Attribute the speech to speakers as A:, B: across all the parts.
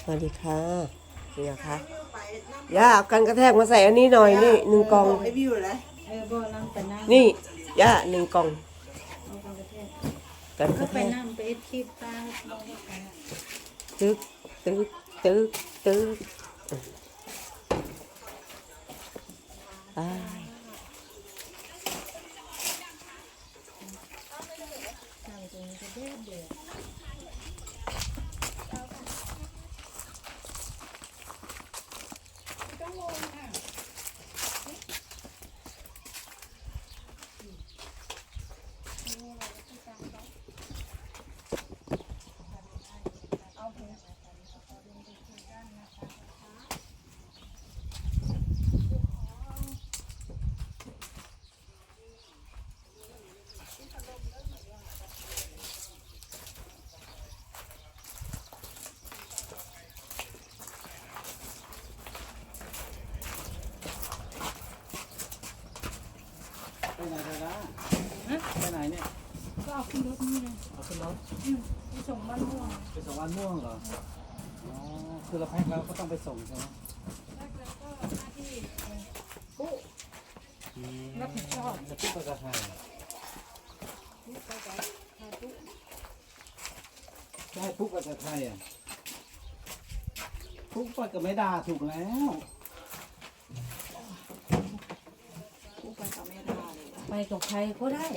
A: วัสดีค่ะนี่นะคะย่าเอากันกระแทกมาใส่อันนี้หน่อยนี่1 กล่องนี่ย่า1 กล่องกันกระแทกตึ๊กตึ๊กตึ๊กตึ๊กไป
B: ไปไหนไปละไปไหนเนี่ย
C: ก็เอาขึ้นรถนี่เลย
B: เอาขึ้นรถ
C: ไปส่งบ้านม่วง
B: ไปส่งบ้านม่วงเหรออ๋อคือเราแพ็คแล้วก็ต้องไปส่งใช่ไหม
C: แล้วก็หน้าที่ปุ๊รับผิดชอบ
B: จะปุ๊บไปกับใคร
C: ปุ๊ไปกับปุ๊
B: จะให้ปุ๊บไปกับใครอ่ะปุ๊บไปกับไม่ด่าถูกแล้ว
C: ปุ๊ไปกับแม่ดาเลย
A: ไปกับใครก็ได้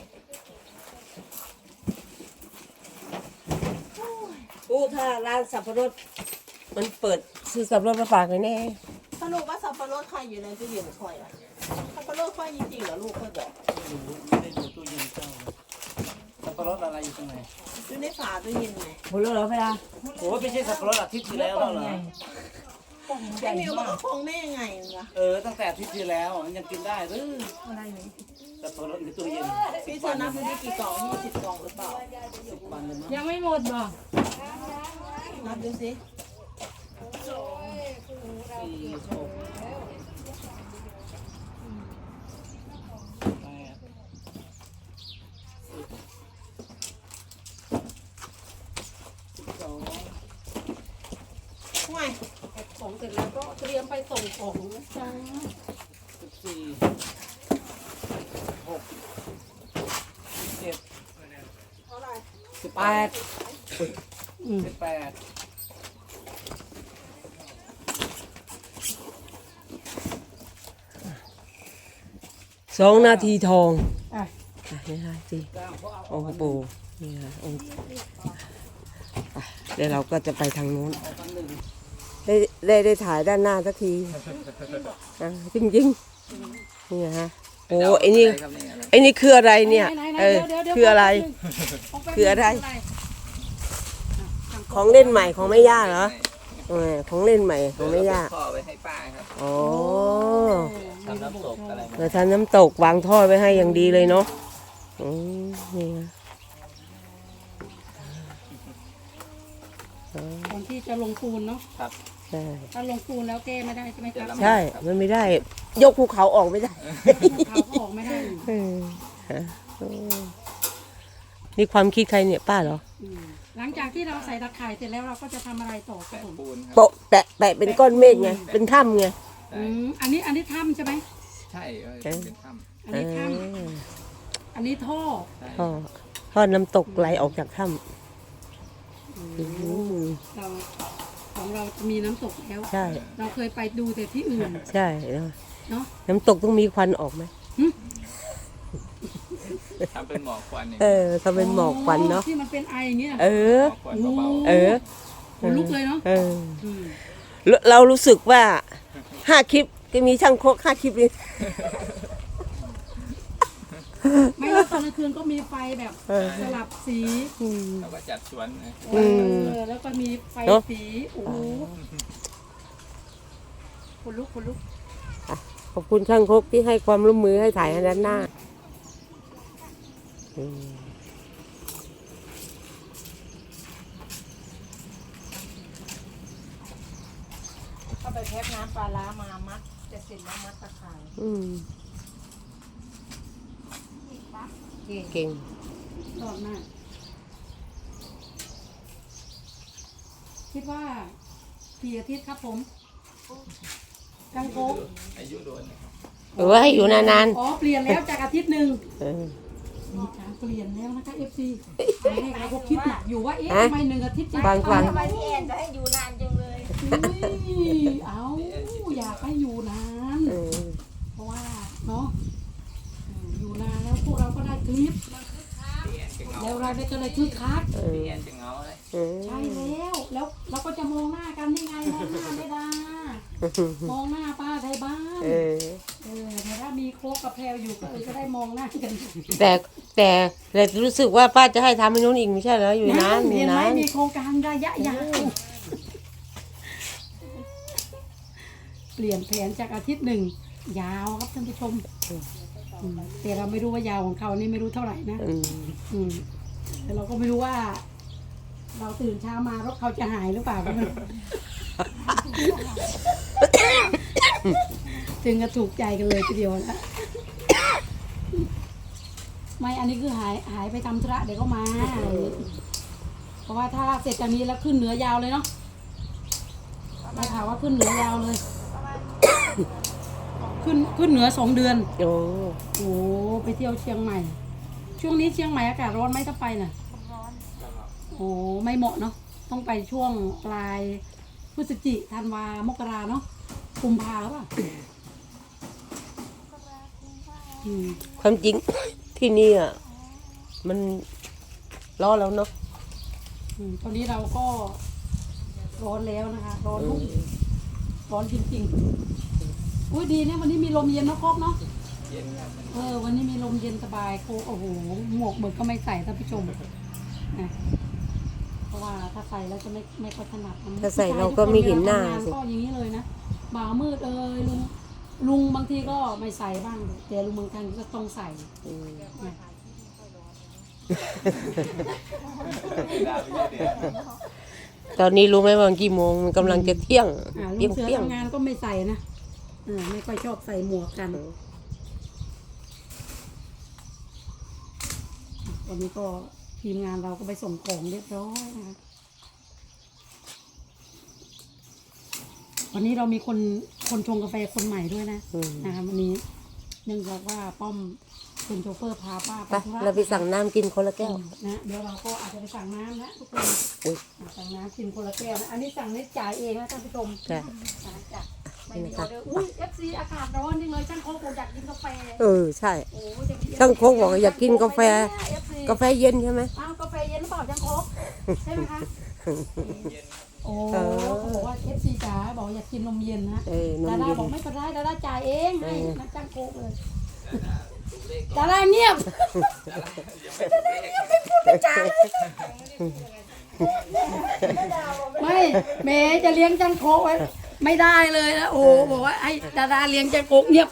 A: ถ้าร้านสับปะรดมันเปิดซื้อสับปะรดมาฝากเลยแน่
D: สรุปว่าสับปะรดใครอยู่ในตู้เย็นคอยอ่ะสับปะรดคอยจริงๆเหรอลูกค่อยบอก
B: ไม่ได้ดูตู้เย็นเจ้าสับปะรดอะไรอยู่ตรงไหน
D: อยู่ในฝาตู้เย็นไง
A: หมดแล้วเหรอพี่ดา
B: โอ้ไม่ใช่สับปะรดอาทิตย์ที่แล้วแล้วเหรอ
D: แม่มิวบอกว่าคงได้ยังไงล่ะ
B: ตั้งแต่อาทิตย์ที่แล้วมันยังกินได้หรือ
C: อะไรไหม
B: สับปะรดในตู้เย็น
D: พี่เธอนับดูได้กี่กล่อง20 กล่องหรือเปล่า
B: 10 วันเลยมั้ง
C: ยังไม่หมดบ่
D: นับดูสิ
B: 4 6
D: ห่วยของเสร็จแล้วก็เตรียมไปส่งของนะจ๊ะ
B: 14 6 7
D: เท่าไหร่
B: 18
A: 2 นาทีทอง
C: อ่ะ
A: นี่ค่ะสิโอ้โหนี่ค่ะเดี๋ยวเราก็จะไปทางนู้นได้ถ่ายด้านหน้าสักทีจริงๆนี่ฮะโอ้ไอ้นี่คืออะไรเนี่ยคืออะไรคืออะไรของเล่นใหม่ของแม่ย่าเหรอของเล่นใหม่ของแม่ย่า
B: ท่อไว้ให้ป้าครับ
A: อ๋อ
B: ทำน้ำตกอะไร
A: เราทำน้ำตกวางท่อไว้ให้อย่างดีเลยเนาะนี่นะ
C: ก่อนที่จะลงปูนเนาะ
B: ครับ
A: ใช่
C: ถ้าลงปูนแล้วแก้ไม่ได้ใช่ไหมครับ
A: ใช่มันไม่ได้ยกภูเขาออกไม่ได้
C: เขาก็ออกไม่ได้
A: นี่ความคิดใครเนี่ยป้าเหรอ
C: หลังจากที่เราใส่ตะข่ายเสร็จแล้วเราก็จะทำอะไรต่อครับผม
A: โปะแปะเป็นก้อนเมฆไงเป็นถ้ำไง
C: อันนี้ถ้ำใช่ไหม
B: ใช่เป็นถ้
C: ำอันนี้ถ้ำอันนี้ท่อ
A: น้ำตกไหลออกจากถ้ำ
C: เราของเรามีน้ำตกแล้ว
A: ใช่
C: เราเคยไปดูแต่ที่อื่น
A: ใช่เนาะน้ำตกต้องมีควันออกไหม
B: ทำเป็นหมอกควัน
A: ทำเป็นหมอกควันเนาะ
C: ที่มันเป็นไออย่างเงี้ย
A: คน
C: ลุกเลยเนาะ
A: เรารู้สึกว่า5 คลิปก็มีช่างโคก5 คลิปเลย
C: ไม่ว่าตอนกลางคืนก็มีไฟแบบสลับสี
B: แล้วก็จัดสวน
C: แล้วก็มีไฟสีโอ้โหคนลุก
A: ขอบคุณช่างโคกที่ให้ความร่วมมือให้ถ่ายด้านหน้า
D: เข้าไปแพ็คน้ำปลาร้ามามัดจะเสร็จแล้วมัดตะข่าย
A: เก่ง
C: รอบหน้าคิดว่ากี่อาทิตย์ครับผมจังโคก
B: อายุโดนนะครับ
A: เออให้อยู่นาน
C: อ๋อเปลี่ยนแล้วจากอาทิตย์หนึ่ง
A: ๆเออ
C: มีการเปลี่ยนแล้วนะคะ FC ให้เราก็คิดหนักอยู่ว่าเอ๊ะ
A: ฮะ
C: ทำไม1 อาทิตย์จะ
A: ฟัง
D: ทำไมพี่แอนจะให้อยู่นานจังเลย
C: อุ้ยเอาอยากให้อยู่นาน
A: เออ
C: เพราะว่าเนาะอยู่นานแล้วพวกเราก็ได้คลิป
B: พี่แอนจะเหงา
C: แล้วเราได้ก็เลยคึกคัก
A: เออ
B: พี่แอนจะเหงาเลย
A: เออ
C: ใช่แล้วเราก็จะมองหน้ากันได้ไงมองหน้าไม่ได้มองหน้าป้าไทยบ้าน
A: เออ
C: แต่ถ้ามีโคกกับแพรวอยู่ก็จะได้มองหน้ากัน
A: แต่รู้สึกว่าป้าจะให้ทำให้นู้นอีกไม่ใช่เหรออยู่นานอ
C: เห็
A: ยู่
C: นไหม
A: นาน
C: มีโครงการระยะยาวเปลี่ยนแผนจากอาทิตย์หนึ่งยาวครับท่านผู้ชมแต่เราไม่รู้ว่ายาวของเขานี่ไม่รู้เท่าไหร่นะ
A: อืม
C: แต่เราก็ไม่รู้ว่า เราตื่นเช้ามารถเขาจะหายหรือเปล่าก็ไม่รู้ ถึงกับถูกใจกันเลยทีเดียวนะไม่อันนี้คือหายไปทำธุระเดี๋ยวก็มาเพราะว่าถ้าเสร็จจากนี้แล้วขึ้นเหนือยาวเลยเนาะได้ข่าวว่าขึ้นเหนือยาวเลย ขึ้นเหนือ2 เดือน
A: โอ้
C: โอ้ไปเที่ยวเชียงใหม่ ช่วงนี้เชียงใหม่อากาศร้อนไหมถ้าไปน่ะโอ้ไม่เหมาะเนาะต้องไปช่วงปลายพฤศจิกธันวามกราเนาะกุมภาหรือเปล่าอืม
A: ความจริง ที่นี่อ่ะมันร้อนแล้วเนาะ
C: ตอนนี้เราก็ร้อนแล้วนะคะร้อนรุ่งร้อนจริงๆอุ้ยดีเนี่ยวันนี้มีลมเย็นเนาะครบเนาะ
B: เย็นครับ
C: วันนี้มีลมเย็นสบายโคโอ้โหหมวกเหมือนก็ไม่ใส่ท่านผู้ชมนะเพราะว่าถ้าใส่แล้วจะไม่ค่อยถนัดนะ
A: ถ้าใส่เราก็ไม่เห็นหน้า
C: ทำงาน
A: สิ
C: ก็อย่างนี้เลยนะบ่ามืดลุงบางทีก็ไม่ใส่บ้างแต่ลุงบางครั้งก็ต้องใส่
A: อืม
C: นะ
A: ตอนนี้รู้ไหมว่ากี่โมงมันกำลังจะเที่ยง
C: ลุ
A: เที่ยง
C: งเสือ
A: เที่ยง
C: ทำงานก็ไม่ใส่นะไม่ค่อยชอบใส่หมวกกัน วันนี้ก็ทีมงานเราก็ไปส่งของเรียบร้อยนะคะวันนี้เรามีคนชงกาแฟคนใหม่ด้วยนะ
A: อืม
C: นะคะวันนี้เนื่องจากว่าป้อมเป็นโชเฟอร์พาป้า
A: ไป
C: ธุระ
A: เราไปสั่งน้ำกินคนละแก้ว
C: นะเดี๋ยวเราก็อาจจะไปสั่งน้ำนะทุกคน
A: อุ๊ย
C: สั่งน้ำกินคนละแก้วนะอันนี้สั่งนี่จ่ายเองนะท่านผู้ชม
A: ใช่
C: จ้ะไม่มีออเดอร์อุ้ย FC อากาศร้อนจริงเลยช่างโค้กบอกอยากกินกาแฟ
A: เออใช่
C: โอ้จะมี
A: ช่างโค้กบอกว่าอยากกินกาแฟ
C: FC
A: กาแฟเย็นใช่ไหม
C: อ้าวกาแฟเย็นหรือเปล่าช่างโค้กใช่ไหมคะโอ้
A: เออ
C: เขาบอกว่า FC จ๋าบอกอยากกินนมเย็นนะ
A: เออนม
C: ดารา
A: เย็น
C: บอกไม่เป็นไรดาราจ่ายเองให้
A: เออ
C: นะช่างโค้กเลยดาราเงียบไม่เมย์จะเลี้ยงช่างโค้กไว้ไม่ได้เลยนะโอ้บอกว่าไอ้ดาราเลี้ยงช่างโค้กเงียบ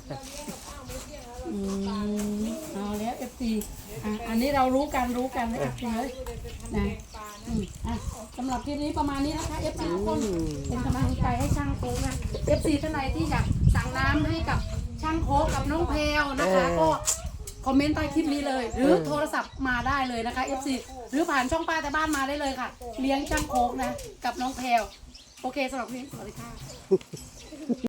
C: เอาแล้ว FC อันนี้เรารู้กันนะ FC เลยนะสำหรับคลิปนี้ประมาณนี้นะคะ FC ทุกคนเป็นกำลังใจให้ช่างโค้กนะ FC ท่านใดที่อยากสั่งน้ำให้กับช่างโค้กกับน้องแพรวนะคะ ก็คอมเมนต์ใต้คลิปนี้เลย หรือโทรศัพท์มาได้เลยนะคะ FC หรือผ่านช่องป้าแต่บ้านมาได้เลยค่ะ เลี้ยงช่างโค้กนะกับน้องแพรวโอเคสำหรับคลิปนี้สวัสดีค่ะ